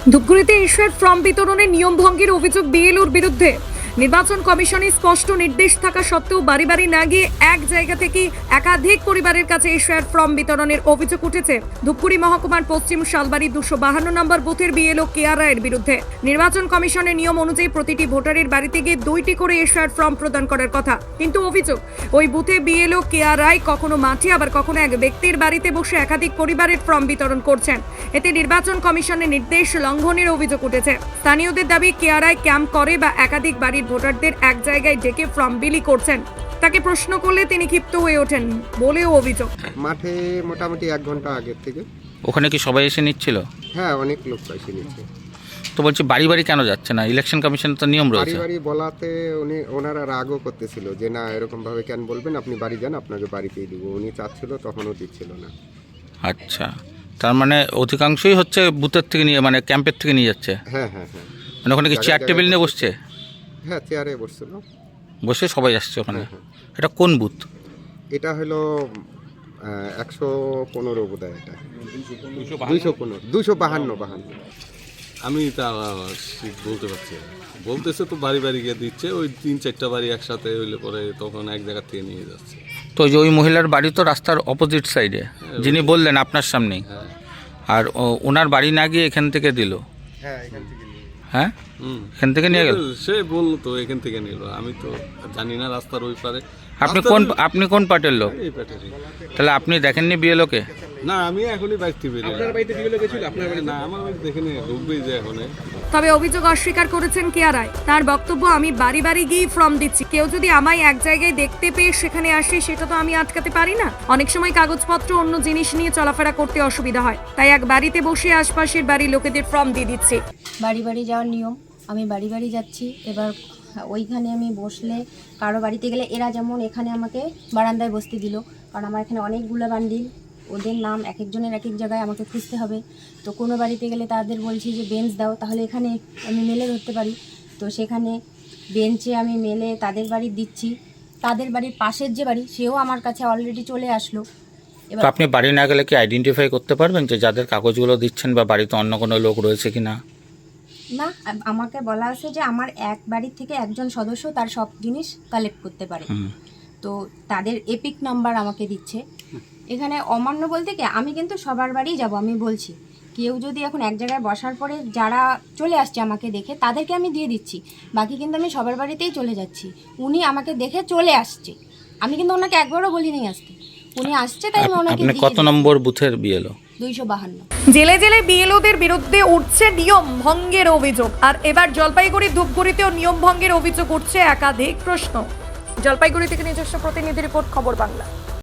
ধূপগুড়িতে ইস্যুর ফর্ম বিতরণের নিয়ম ভঙ্গের অভিযোগ বিএলওর বিরুদ্ধে। নির্বাচন কমিশনের স্পষ্ট নির্দেশ থাকা সত্ত্বেও বাড়ি বাড়ি না গিয়ে এক জায়গা থেকে একাধিক পরিবারের কাছে ইস্যুর ফর্ম বিতরণের অভিযোগ উঠেছে ধূপগুড়ি মহকুমার পশ্চিম শালবাড়ি 252 নম্বর বুথের বিএলও কেয়া রায়ের বিরুদ্ধে। নির্বাচন কমিশনের নিয়ম অনুযায়ী প্রতিটি ভোটারের বাড়িতে গিয়ে 2টি করে ইস্যুর ফর্ম প্রদান করার কথা, কিন্তু অভিযোগ ওই বুথে বিএলও কেয়া রায় কখনো মাঠে আবার কখনো এক ব্যক্তির বাড়িতে বসে একাধিক পরিবারের ফর্ম বিতরণ করছেন। এতে নির্বাচন কমিশনের নির্দেশ লঙ্ঘনের অভিযোগ উঠেছে। স্থানীয়দের দাবি কেয়া রায় ক্যাম্প করে বা একাধিক বাড়ির ভোটারদের এক জায়গায় ডেকে ফর্ম বিলি করছেন। তাকে প্রশ্ন করলে তিনি ক্ষিপ্ত হয়ে ওঠেন বলেও অভিযোগ। মাঠে মোটামুটি 1 ঘন্টা আগের থেকে। ওখানে কি সবাই এসে নিচ্ছিল? হ্যাঁ, অনেক লোক এসে নিচ্ছে। তো বলছি বাড়ি বাড়ি কেন যাচ্ছে না? ইলেকশন কমিশনের তো নিয়ম বাড়ি রয়েছে। বাড়ি বলাতে ওনারা রাগও করতেছিল যে না, এরকম ভাবে কেন বলবেন, আপনি বাড়ি যান, আপনাকে বাড়িতেই দিব। উনি চাচ্ছিল, তখনও দিচ্ছিল না। আচ্ছা, তার মানে অধিকাংশই হচ্ছে বুথের থেকে নিয়ে, মানে ক্যাম্পের থেকে নিয়ে যাচ্ছে। হ্যাঁ হ্যাঁ হ্যাঁ মানে ওখানে কি চেয়ার টেবিল নিয়ে বসছে? হ্যাঁ, চেয়ারে বসছিল, বসে সবাই আসছে ওখানে। হ্যাঁ। এটা কোন বুথ? এটা হলো 115 বোধহয়। এটা 252। আমি তা ঠিক বলতে পারছি না। বলতেছে তো বাড়ি বাড়ি গিয়ে দিচ্ছে, ওই 3-4টা বাড়ি একসাথে হইলে পরে তখন এক জায়গা থেকে নিয়ে যাচ্ছে। তো ওই যে ওই মহিলার বাড়ি তো রাস্তার অপোজিট সাইডে, যিনি বললেন আপনার সামনেই। হ্যাঁ আর ওনার বাড়ি না গিয়ে এখান থেকে দিল? হ্যাঁ, এখান থেকে নিয়ে। হ্যাঁ, এখান থেকে নিয়ে গেল। সে বললো তো এখান থেকে নিল, আমি তো জানি না রাস্তার ওই পারে। আপনি কোন পার্টির লোক? এই প্যাটারি। তাহলে আপনি দেখেননি বিএলওকে? না, আমি এখনই বাড়িতে বেরিয়ে। আপনার বাড়িতে বিয়েলো গেছিল? আপনার বাড়ি না, আমার বাড়ি দেখেনি, ঢুকবেই যে এখন। তবে অভিযোগ অস্বীকার করেছেন কেয়া রায়। তার বক্তব্য, আমি বাড়ি বাড়ি গিয়ে ফর্ম দিচ্ছি। কেউ যদি আমায় এক জায়গায় দেখতে পেয়ে সেখানে আসে, সেটা তো আমি আটকাতে পারি না। অনেক সময় কাগজপত্র অন্য জিনিস নিয়ে চলাফেরা করতে অসুবিধা হয়, তাই এক বাড়িতে বসে আশপাশের বাড়ির লোকেদের ফর্ম দিয়ে দিচ্ছে। বাড়ি বাড়ি যাওয়ার নিয়ম, আমি বাড়ি বাড়ি যাচ্ছি। এবার ওইখানে আমি বসলে, কারো বাড়িতে গেলে এরা যেমন এখানে আমাকে বারান্দায় বসতে দিল, কারণ আমার এখানে অনেকগুলো বান্ডিল, ওদের নাম এক একজনের এক এক জায়গায় আমাকে খুঁজতে হবে। তো কোনো বাড়িতে গেলে তাদের বলছি যে বেঞ্চ দাও, তাহলে এখানে আমি মেলে ধরতে পারি। তো সেখানে বেঞ্চে আমি মেলে তাদের বাড়ি দিচ্ছি। তাদের বাড়ির পাশের যে বাড়ি, সেও আমার কাছে অলরেডি চলে আসলো। তো আপনি বাড়ি না গেলে কি আইডেন্টিফাই করতে পারবেন যে যাদের কাগজগুলো দিচ্ছেন বা বাড়িতে অন্য কোনো লোক রয়েছে কি না? না, আমাকে বলা আছে যে আমার এক বাড়ির থেকে একজন সদস্য তার সব জিনিস কালেক্ট করতে পারে। তো তাদের এপিক নাম্বার আমাকে দিচ্ছে। এখানে অমান্য বলতে কি, আমি কিন্তু সবার বাড়িই যাব। আমি বলছি, কেউ যদি এখন এক জায়গায় বসার পরে যারা চলে আসছে আমাকে দেখে, তাদেরকে আমি দিয়ে দিচ্ছি। বাকি কিন্তু আমি সবার বাড়িতেই চলে যাচ্ছি। উনি আমাকে দেখে চলে আসছে, আমি কিন্তু ওনাকে একবারও বলিনি আসতে। উনি আসছে, তাই আমি ওনাকে আপনি কত নম্বর বুথের বিএলও? 252। জেলে জেলে বিএলওদের বিরুদ্ধে উঠছে নিয়ম ভঙ্গের অভিযোগ। আর এবার জলপাইগুড়ি ধূপগুড়িতেও নিয়ম ভঙ্গের অভিযোগ উঠছে একাধিক প্রশ্ন। জলপাইগুড়ি থেকে নিজস্ব প্রতিনিধি রিপোর্ট, খবর বাংলা।